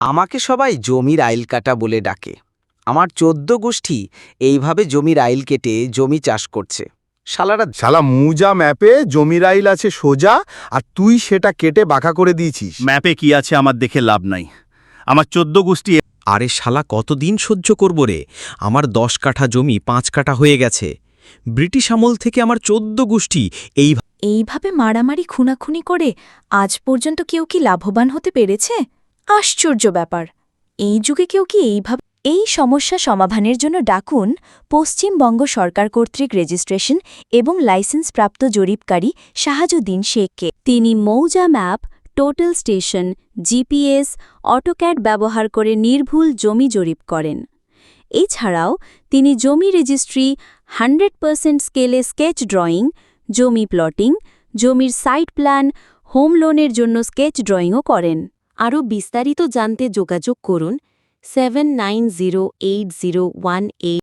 আমাকে সবাই জমির আইল কাটা বলে ডাকে। আমার ১৪ গোষ্ঠী এইভাবে জমির আইল কেটে জমি চাষ করছে। শালারা শালা মুজা ম্যাপে জমির আইল আছে সোজা, আর তুই সেটা কেটে বাঁকা করে দিয়েছিস। ম্যাপে কি আছে আমার দেখে লাভ নাই। আমার ১৪ গোষ্ঠী আরে শালা কতদিন সহ্য করব রে? আমার ১০ কাঠা জমি ৫ কাঠা হয়ে গেছে। ব্রিটিশ আমল থেকে আমার ১৪ গোষ্ঠী এইভাবে মারামারি খুনাখুনি করে আজ পর্যন্ত কেউ কি লাভবান হতে পেরেছে? আশ্চর্য ব্যাপার। এই যুগে কেউ কি এইভাবে এই সমস্যা সমাধানের জন্য ডাকুন পশ্চিমবঙ্গ সরকার কর্তৃক রেজিস্ট্রেশন এবং লাইসেন্সপ্রাপ্ত জরিপকারী শাহাজুদ্দিন শেখকে। তিনি মৌজা map, total station, GPS, AutoCAD ব্যবহার করে নির্ভুল জমি জরিপ করেন। এছাড়াও তিনি জমি রেজিস্ট্রি, 100% স্কেলে স্কেচ ড্রয়িং, জমি প্লটিং, জমির সাইট প্ল্যান, হোম লোনের জন্য স্কেচ ড্রয়িংও করেন। আরও বিস্তারিত জানতে যোগাযোগ করুন 790801